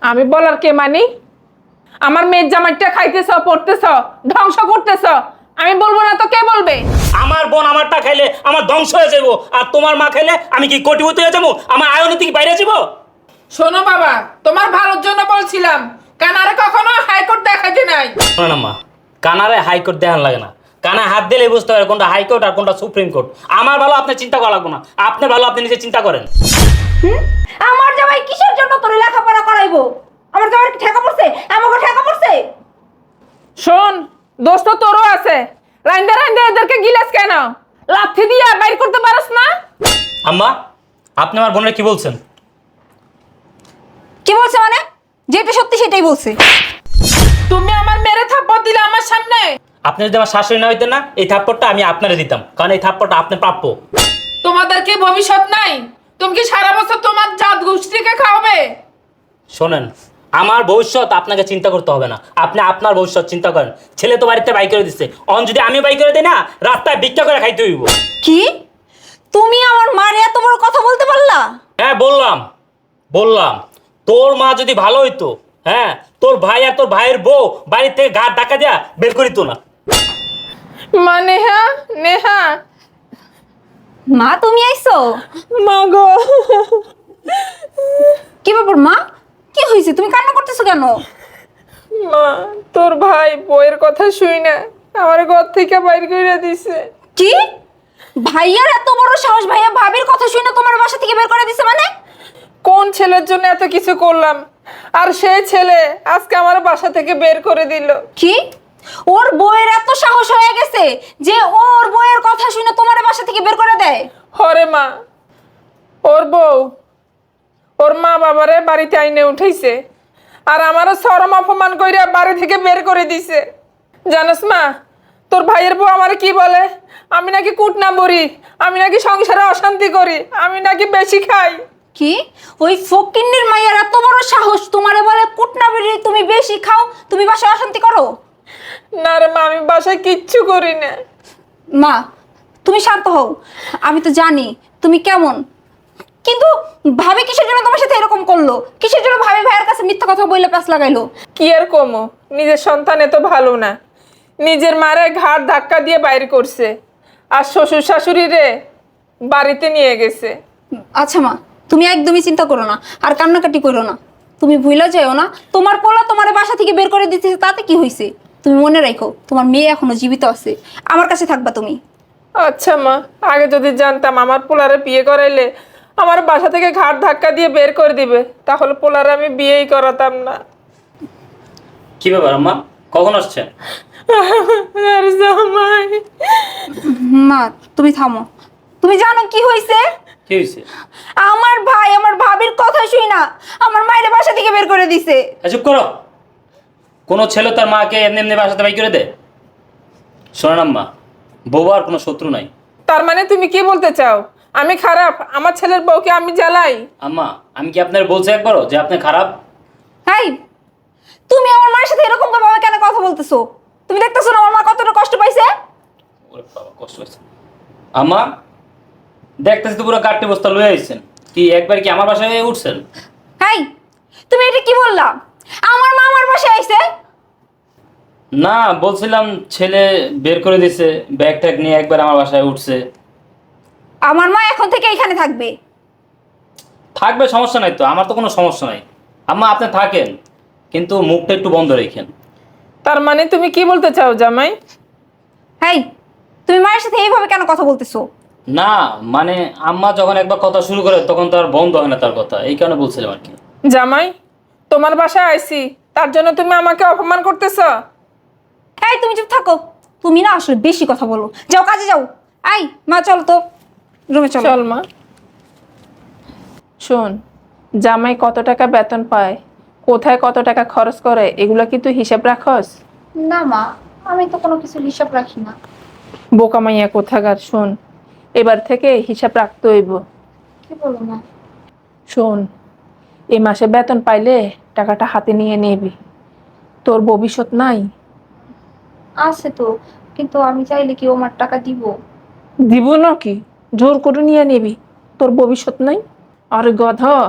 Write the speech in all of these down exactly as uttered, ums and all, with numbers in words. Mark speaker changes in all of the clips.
Speaker 1: আমি বলার কে মানি? আমার মেয়ের জামাইটা খাইতেছ, পড়তেছ, ধ্বংস করতেছ, আমি বলবো না তো কে বলবে?
Speaker 2: আমার বোন আমারটা খাইলে আমার ধ্বংস হয়ে যাবো, আর তোমার মা খাইলে আমি কি কোটিপতি হয়ে যাবো? আমার আয়নীতি কি বাইরে যাবো?
Speaker 1: শোনো বাবা, তোমার ভালোর জন্য বলছিলাম, কানারে কখনো হাইকোর্ট দেখাইতে নাই।
Speaker 2: না মা, কানারে হাইকোর্ট দেখান লাগে না, কানা হাত দিলে বুঝতে পারে কোনটা হাইকোর্ট আর কোনটা সুপ্রিম কোর্ট। আমার ভালো আপনি চিন্তা করা লাগবে না, আপনার ভালো আপনি নিজে চিন্তা করেন।
Speaker 3: আমার জামাই কিসের জন্য তোর লেখাপড়া করাইবো? আমার জামাই কি ঠেকা পড়ছে? আমাকে ঠেকা পড়ছে?
Speaker 1: শোন, দোস্ত তোরও আছে, রাইন্দা রাইন্দা এদেরকে গিলাস কেন? লাথি দিয়া বাইর করতে পারস না?
Speaker 2: আম্মা, আপনি আমার বোনের কি বলছেন?
Speaker 3: কি বলছে মানে? যেটা সত্যি সেটাই বলছে।
Speaker 1: তুমি আমার মেরে থাপ্পড় দিলে আমার সামনে।
Speaker 2: আপনি যদি আমার শাশুড়ি না হইতেন না, এই থাপ্পড়টা আমি আপনারে দিতাম, কারণ এই থাপ্পড়টা আপনি প্রাপ্য।
Speaker 1: তোমাদের কি ভবিষ্যৎ নাই? তুমি কি সারা বছর তোমার জাত গোষ্ঠীকে খাওয়াবে?
Speaker 2: শোনেন, আমার ভবিষ্যৎ আপনাকে চিন্তা করতে হবে না, আপনি আপনার ভবিষ্যৎ চিন্তা করেন। ছেলে তো বাড়িতে বাই করে দিচ্ছে, অন যদি আমি বাই করে দিই না, রাস্তায় ভিক্ষা করে খাইতে হইব।
Speaker 3: কি? তুমি আমার মার এত বড় কথা বলতে পারলা?
Speaker 2: হ্যাঁ বললাম, বললাম তোর মা যদি ভালো হইতো, হ্যাঁ তোর ভাই আর তোর ভাইয়ের বউ বাড়ি থেকে ঘাট ডাকা দেয়া বের করিত না।
Speaker 1: মা নেহা, নেহা,
Speaker 3: মা তুমি আইছো?
Speaker 1: মা গো।
Speaker 3: কি ব্যাপার মা? কি হয়েছে? তুমি কান্না করতেছো কেন?
Speaker 1: মা, তোর ভাই বইয়ের কথা শুই না আমার ঘর থেকে বাইর করে দিছে।
Speaker 3: কি? ভাইয়ার এত বড় সাহস, ভাইয়া ভাবির কথা শুনে তোমার বাসা থেকে বের করে দিছে মানে?
Speaker 1: কোন ছেলের জন্য এত কিছু করলাম, আর সেই ছেলে আজকে আমার বাসা থেকে বের করে দিল।
Speaker 3: কি? ওর বউয়ের এত সাহস হয়ে গেছে যে ওর বউয়ের কথা শুনে তোমার বাসা থেকে বের করে দেয়?
Speaker 1: হরে মা, ওর বউ ওর মা বাবারে বাড়িতে আইনে উঠাইছে, আর আমারও শরম অপমান কইরা বাড়ি থেকে বের করে দিছে। জানোস মা, তোর ভাইয়ের বউ আমারে কি বলে? আমি নাকি কুটনা বড়ি, আমি নাকি সংসারে অশান্তি করি, আমি নাকি বেশি খাই।
Speaker 3: কি? ওই ফকিন্নির মাইয়ার এত বড় সাহস তোমারে বলে কুটনা বেরি তুমি বেশি খাও, তুমি বাসায় অশান্তি করো?
Speaker 1: না রে মা, আমি বাসায় কিচ্ছু করি না।
Speaker 3: মা তুমি শান্ত হও, আমি তো জানি তুমি কেমন, কিন্তু ভাবি কিসের জন্য তোমার সাথে এরকম করলো? কিসের জন্য ভাবি ভাইয়ের কাছে মিথ্যা কথা বলে প্যাস লাগাইলো?
Speaker 1: কি আর কমো, নিজের সন্তান এত ভালো না, নিজের মারে ঘাট ধাক্কা দিয়ে বাইরে করছে, আর শ্বশুর শাশুড়ি রে বাড়িতে নিয়ে গেছে।
Speaker 3: আচ্ছা মা, তুমি একদমই চিন্তা করো না, আর কান্নাকাটি করো না। তুমি ভুলে যাও না, তোমার পোলা তোমার বাসা থেকে বের করে দিতেছে, তাতে কি হয়েছে? তুমি মনে রাখো তোমার মেয়ে এখনো জীবিত আছে, আমার কাছে থাকবা তুমি।
Speaker 1: আচ্ছা মা, আগে যদি জানতাম আমার পোলারে বিয়ে করাইলে আমার বাসা থেকে ঘাট ধাক্কা দিয়ে বের করে দিবে, তাহলে পোলারে আমি বিয়েই করাতাম না।
Speaker 2: কি ব্যাপার আম্মা, কখন আসছেন?
Speaker 1: আর জামাই,
Speaker 3: মা তুমি থামো, তুমি জানো কি হয়েছে?
Speaker 2: কি হয়েছে?
Speaker 3: আমার ভাই আমার ভাবির কথা শুই না আমার মায়ের বাসা থেকে বের করে দিছে।
Speaker 2: চুপ করো। কোনো ছেলে তার মাকে এমনি এমনি বাসাতে বাই করে দেয়? শোনেন আম্মা, বউবার কোনো শত্রু নাই।
Speaker 1: তার মানে তুমি কি বলতে চাও আমি খারাপ? আমার ছেলের বউকে আমি জ্বালাই?
Speaker 2: আম্মা, আমি কি আপনার বলছি একবারও যে আপনি খারাপ?
Speaker 3: হাই, তুমি আমার মায়ের সাথে এরকম ভাবে কেন কথা বলতেছো? তুমি দেখতেছো না আমার মা কতটা কষ্ট পাইছে?
Speaker 2: ওরে বাবা, কষ্ট হয়েছে। আম্মা, দেখতেছি তো পুরো গাড়টি বস্তা লয়ে আইছেন, কি একবার কি আমার বাসায় উঠছেন?
Speaker 3: হাই, তুমি এটা কি বললা? আমার মা আমার বাসায় আইছে?
Speaker 2: না, বলছিলাম ছেলে বের করে দিছে, ব্যাগ ট্যাগ নিয়ে একবার আমার বাসায় উঠছে।
Speaker 3: আমার মা এখন থেকে এখানে থাকবে।
Speaker 2: থাকবে, সমস্যা নাই তো, আমার তো কোনো সমস্যা নাই। আম্মা আপনি থাকেন, কিন্তু মুখটা একটু বন্ধ রেখেন।
Speaker 1: তার মানে তুমি কি বলতে চাও জামাই?
Speaker 3: হাই, তুমি মায়ের সাথে এইভাবে কেন কথা বলতেছো?
Speaker 2: না মানে আম্মা যখন একবার কথা শুরু করে তখন তো আর বন্ধ হয় না তার কথা, এই কারণে বলছিলাম আর কি।
Speaker 1: জামাই, তোমার বাসায় আইছি তার জন্য তুমি আমাকে অপমান করতেছ?
Speaker 3: এই তুমি চুপ থাকো, তুমি না আসলে বেশি কথা বলো, যাও কাজে যাও। আই মা চলো তো রুমে চলো।
Speaker 1: চল মা। শোন, জামাই কত টাকা বেতন পায়, কোথায় কত টাকা খরচ করে, এগুলো কি তুই হিসাব রাখস?
Speaker 4: না মা, আমি তো কোনো কিছু হিসাব রাখি না।
Speaker 1: বোকা মাইয়া কোথাকার। শোন, এবার থেকে হিসাব রাখতে হইব।
Speaker 4: কি বলো মা?
Speaker 1: শোন, এই মাসে বেতন পাইলে টাকাটা হাতে নিয়ে নিবি, তোর ভবিষ্যৎ নাই।
Speaker 4: আছে তো, কিন্তু আমি চাইলে কি ও আমার টাকা দিব?
Speaker 1: দিব নাকি? জোর করে নিয়ে নিবি, তোর ভবিষ্যৎ নাই। আর গধ,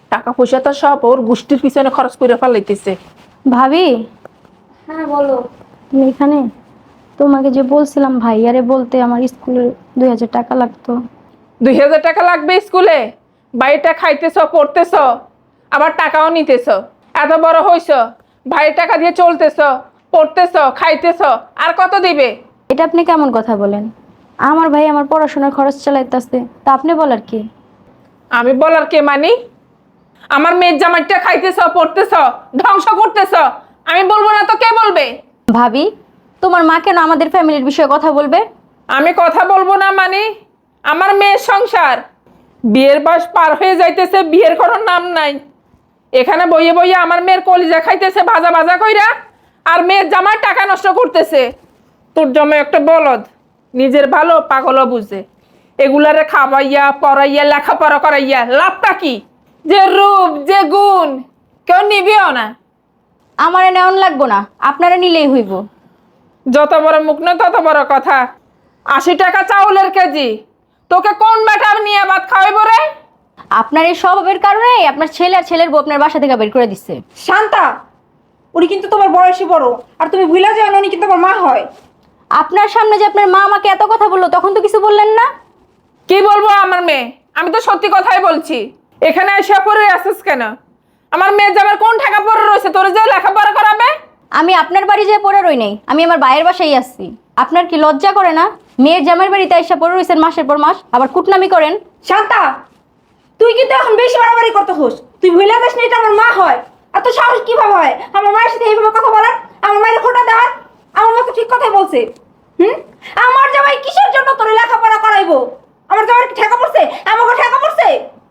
Speaker 1: টাকা পয়সা তো সব ওর গোষ্ঠীর পিছনে খরচ করে ফেলাইতেছে।
Speaker 5: ভাবি
Speaker 4: হ্যাঁ বলো।
Speaker 5: তুমি এখানে? তোমাকে যে বলছিলাম ভাইয়ারে বলতে আমার স্কুলে দুই হাজার টাকা লাগতো।
Speaker 1: দুই হাজার টাকা লাগবে স্কুলে? বাড়িটা খাইতেছ, পড়তেছ, আবার টাকাও নিতেছ। এত বড় হইছ, ভাইয়ের টাকা দিয়ে চলতেছ, পড়তেছ, খাইতেছ, আর কত দিবে?
Speaker 5: এটা আপনি কেমন কথা বলেন? আমার ভাই আমার পড়াশোনার খরচ চালাইতেছে, তা আপনি বলার কি?
Speaker 1: আমি বলার কে মানি? আমার মেয়ের জামাইটা খাইতেছ, পড়তেছ, ধ্বংস করতেছ, আমি বলবো না তো কে বলবে?
Speaker 5: ভাবি, তোমার মা কেন আমাদের ফ্যামিলির বিষয়ে কথা বলবে?
Speaker 1: আমি কথা বলবো না মানে? আমার মেয়ের সংসার, বিয়ের বয়স পার হয়ে যাইতেছে, বিয়ের কোনো নাম নাই। এখানে বইয়ে বইয়ে আমার মেয়ের কলিজা খাইতেছে ভাজা ভাজা কইরা, আর মেয়ের জামার টাকা নষ্ট করতেছে। তোর জামাই একটা বলদ, নিজের ভালো পাগলও বুঝে। এগুলারে খাওয়াইয়া পড়াইয়া লেখাপড়া করাইয়া লাভটা কি? যে রূপ, যে গুণ, কেউ নিবিও না।
Speaker 5: আমার নেওয়ান লাগবো না, আপনারা নিলেই হইব।
Speaker 1: যত বড় মুখ না তত বড় কথা। আশি টাকা চাউলের কেজি, তোকে কোন ব্যাটার নিয়ে ভাত খাওয়াইব রে?
Speaker 5: আপনার এই স্বভাবের কারণে আপনার ছেলে আর ছেলের বউ আপনার বাসা থেকে বের করে দিচ্ছে।
Speaker 3: শান্তা, উনি কিন্তু তোমার বয়সী বড়, আর তুমি ভুলে যাও না উনি কিন্তু আমার মা হয়।
Speaker 5: আপনার সামনে যে আপনার মা আমাকে এত কথা বললো, তখন তো কিছু বললেন না?
Speaker 1: কি বলবো আমার মেয়ে? আমি তো সত্যি কথাই বলছি। এখানে এসে পড়ে আসিস কেন? আমার মেয়ে যাবার কোন টাকা পড়ে রয়েছে তোর যে লেখাপড়া করাবে?
Speaker 5: আমি আপনার বাড়ি যেয়ে পড়ে রই নাই, আমি আমার ভাইয়ের বাসায় আসছি। আপনার কি লজ্জা করে না? মেয়ের জামাইয়ের বাড়িতে এসে পড়ে রয়েছেন মাসের পর মাস, আবার কুটনামি করেন।
Speaker 3: শান্তা, তুই কিন্তু এখন বেশি বাড়াবাড়ি করতে হোস। তুই ভুলে যাস না এটা আমার মা হয়। আর তোর সাহস কিভাবে হয় আমার মায়ের সাথে এইভাবে কথা বলার? আমার মায়ের খোটা দেওয়ার? আমার মা তো ঠিক কথাই বলছে। হুম, আমার জামাই কিসের জন্য তোর লেখাপড়া করাইবো? আমার জামাই কি ঠেকা পড়ছে? আমাকে ঠেকা পড়ছে?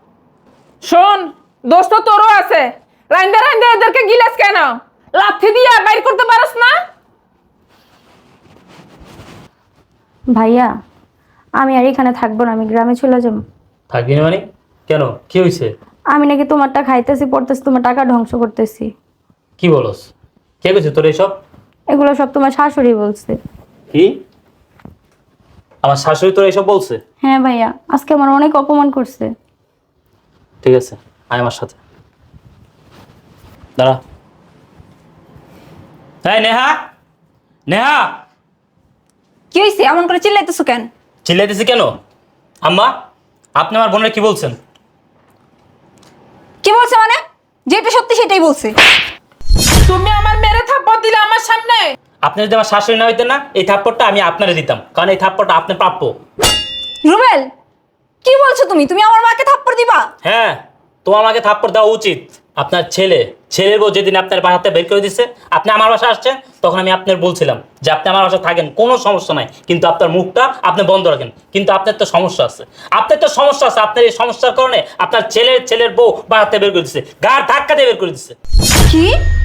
Speaker 1: শোন, দোস্ত তোরও আছে। রাইন্দা রাইন্দা এদেরকে গিলাস কেন? লাথি দিয়া বাইর করতে পারস না?
Speaker 5: ভাইয়া, আমি আর এখানে থাকবো না, আমি গ্রামে চলে যাবো।
Speaker 2: থাকবি না মানে? কেন, কি হয়েছে?
Speaker 5: আমি নাকি তোমারটা খাইতেছি, পড়তেছি, তোমার টাকা ধ্বংস করতেছি।
Speaker 2: কি বলস? কে কইছে তোর এসব?
Speaker 5: এগুলো সব তোমার শাশুড়ি বলছে।
Speaker 2: কি? আমার শাশুড়ি তোর এসব বলছে?
Speaker 5: হ্যাঁ ভাইয়া, আজকে আমার অনেক অপমান করছে।
Speaker 2: ঠিক আছে, আয় আমার সাথে। দাঁড়া। হ্যাঁ নেহা, নেহা,
Speaker 3: কি হয়েছে? এমন করে চিল্লাইতেছো কেন?
Speaker 2: চিল্লাইতেছি কেন? আম্মা, আপনি আমার বোনের কি বলছেন?
Speaker 3: কি বলছে মানে? যেটা সত্যি সেটাই বলছে।
Speaker 1: তুমি আমার মেরে থাপ্পড় দিলে আমার সামনে।
Speaker 2: আপনি যদি আমার শাশুড়ি না হইতেন না, এই থাপ্পড়টা আমি আপনারে দিতাম, কারণ এই থাপ্পড়টা আপনি প্রাপ্য।
Speaker 3: রুবেল, কি বলছো তুমি? তুমি আমার মাকে থাপ্পড় দিবা?
Speaker 2: হ্যাঁ, তোমার আমাকে থাপ্পড় দেওয়া উচিত। আপনার ছেলে, ছেলের বউ যেদিন আপনার বাসাতে বের করে দিচ্ছে, আপনি আমার বাসায় আসছেন, তখন আমি আপনার বলছিলাম যে আপনি আমার বাসায় থাকেন, কোনো সমস্যা নাই, কিন্তু আপনার মুখটা আপনি বন্ধ রাখেন। কিন্তু আপনার তো সমস্যা আছে, আপনার তো সমস্যা আছে। আপনার এই সমস্যার কারণে আপনার ছেলের ছেলের বউ বাসাতে বের করে দিচ্ছে, গার ধাক্কা দিয়ে বের করে দিচ্ছে।
Speaker 3: কি?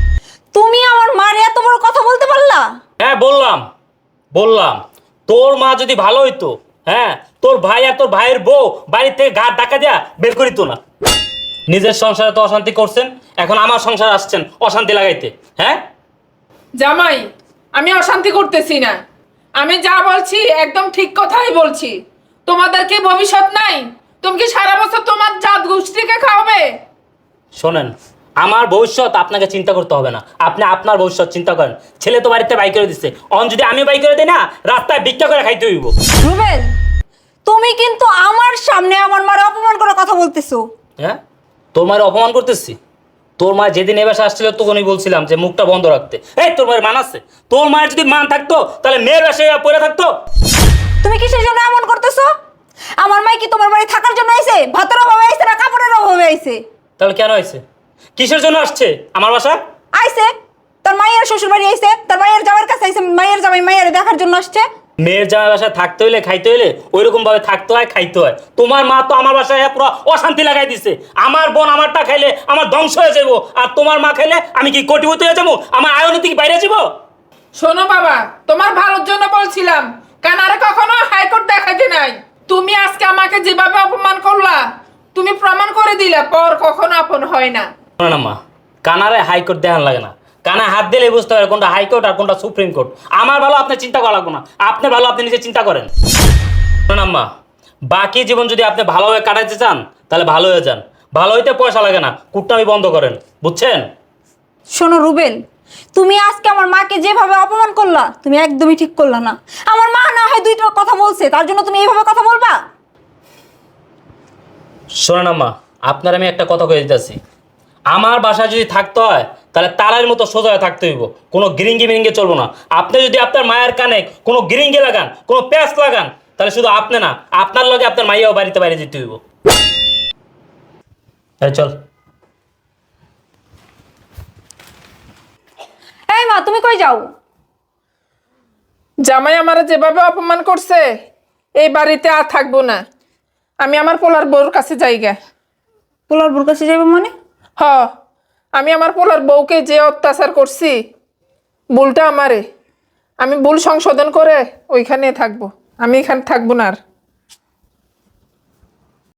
Speaker 3: তুমি আমার মার এত বড় কথা বলতে পারলা?
Speaker 2: হ্যাঁ বললাম, বললাম তোর মা যদি ভালো হইতো, হ্যাঁ, তোর ভাই আর তোর ভাইয়ের বউ বাড়ির থেকে গার ধাক্কা দিয়া বের করিত না। নিজের সংসারে তো অশান্তি করছেন, এখন আমার সংসার আসছেন অশান্তি লাগাইতে। হ্যাঁ
Speaker 1: জামাই, আমি অশান্তি করতেছি না। আমি যা বলছি একদম ঠিক কথাই বলছি। তোমাদের কি ভবিষ্যৎ নাই? তুমি কি সারা বছর তোমার জাত গোষ্ঠীকে খাওয়াবে?
Speaker 2: শোনেন, আমার ভবিষ্যৎ আপনাকে চিন্তা করতে হবে না, আপনি আপনার ভবিষ্যৎ চিন্তা করেন। ছেলে তো বাড়িতে বাই করে দিচ্ছে, অন যদি আমি বাই করে দিই না, রাস্তায় ভিক্ষা করে খাইতে হইব।
Speaker 3: রুবেল, তুমি কিন্তু আমার সামনে আমার মার অপমান করার কথা বলতেছো।
Speaker 2: হ্যাঁ, তোর মায়ের অপমান করতেছি? তোর মা যেদিন এ বাসায় আসছিল তখনই বলছিলাম যে মুখটা বন্ধ রাখতে। এই তোর মায়ের মান আছে? তোর মায়ের যদি মান থাকতো তাহলে মেয়ের বাসায় পড়ে থাকতো।
Speaker 3: তুমি কিসের জন্য এমন করতেছো? আমার মাই কি তোমার বাড়ি থাকার জন্য আইছে? ভাতের অভাবে আইছে না কাপড়ের অভাবে আইছে?
Speaker 2: তাহলে কেন হয়েছে? কিসের জন্য আসছে আমার বাসা?
Speaker 3: আইছে তার মায়ের শ্বশুর বাড়ি আইছে, তার মায়ের জামাইয়ের কাছে আইছে, মায়ের জামাই মায়ের দেখার জন্য আসছে।
Speaker 2: মেয়ের জামাই বাসায় থাকতে হইলে খাইতে হইলে ওইরকম ভাবে থাকতে হয়, খাইতে হয়। তোমার মা তো আমার বাসায় পুরো অশান্তি লাগাই দিছে। আমার বোন আমারটা খাইলে আমার ধ্বংস হয়ে যাবো, আর তোমার মা খাইলে আমি কি কোটিপতি হয়ে যাবো? আমার আয়নীতি কি বাইরে যাবো?
Speaker 1: শোনো বাবা, তোমার ভালোর জন্য বলছিলাম, কানারে কখনো হাইকোর্ট দেখাইতে নাই। তুমি আজকে আমাকে যেভাবে অপমান করলা, তুমি প্রমাণ করে দিলে পর কখনো আপন হয় না।
Speaker 2: না মা, কানারে হাইকোর্ট দেখান লাগে না, কানা হাত দিলে বুঝতে পারে কোনটা হাইকোর্ট আর কোনটা সুপ্রিম কোর্ট। আমার ভালো আপনি চিন্তা করা লাগবে না, আপনি ভালো আপনি নিজে চিন্তা করেন। না মা, বাকি জীবন যদি আপনি ভালোভাবে কাটাইতে চান তাহলে ভালো হয়ে যান, ভালো হইতে পয়সা লাগে না, কুটনামি বন্ধ করেন, বুঝছেন?
Speaker 3: শোনো রুবেল, তুমি আজকে আমার মাকে যেভাবে অপমান করলা তুমি একদমই ঠিক করলা না। আমার মা না হয় দুইটা কথা বলছে তার জন্য তুমি এইভাবে কথা বলবা?
Speaker 2: শোনেন আম্মা, আপনার আমি একটা কথা কয়ে দিতেছি, আমার বাসায় যদি থাকতে হয় তাহলে তালার মতো সোজা হয়ে থাকতে হইব, কোনো গিরিঙ্গি মিরিঙ্গে চলবো না। আপনি যদি আপনার মায়ের কানে কোনো গিরিঙ্গি লাগান, কোনো প্যাঁচ লাগান, তাহলে শুধু আপনি না, আপনার লগে আপনার মাইয়াও বাড়িতে বাইরে যেতে হইব। এই চল।
Speaker 3: এই মা, তুমি কই যাও?
Speaker 1: জামাই আমার যেভাবে অপমান করছে এই বাড়িতে আর থাকবো না। আমি আমার পোলার বউর কাছে যাইগা।
Speaker 3: পোলার বোর কাছে যাবে মানে?
Speaker 1: হ, আমি আমার পোলার বউকে যে অত্যাচার করছি, ভুলটা আমারে, আমি ভুল সংশোধন করে ওইখানে থাকবো। আমি এখানে থাকবো না আর।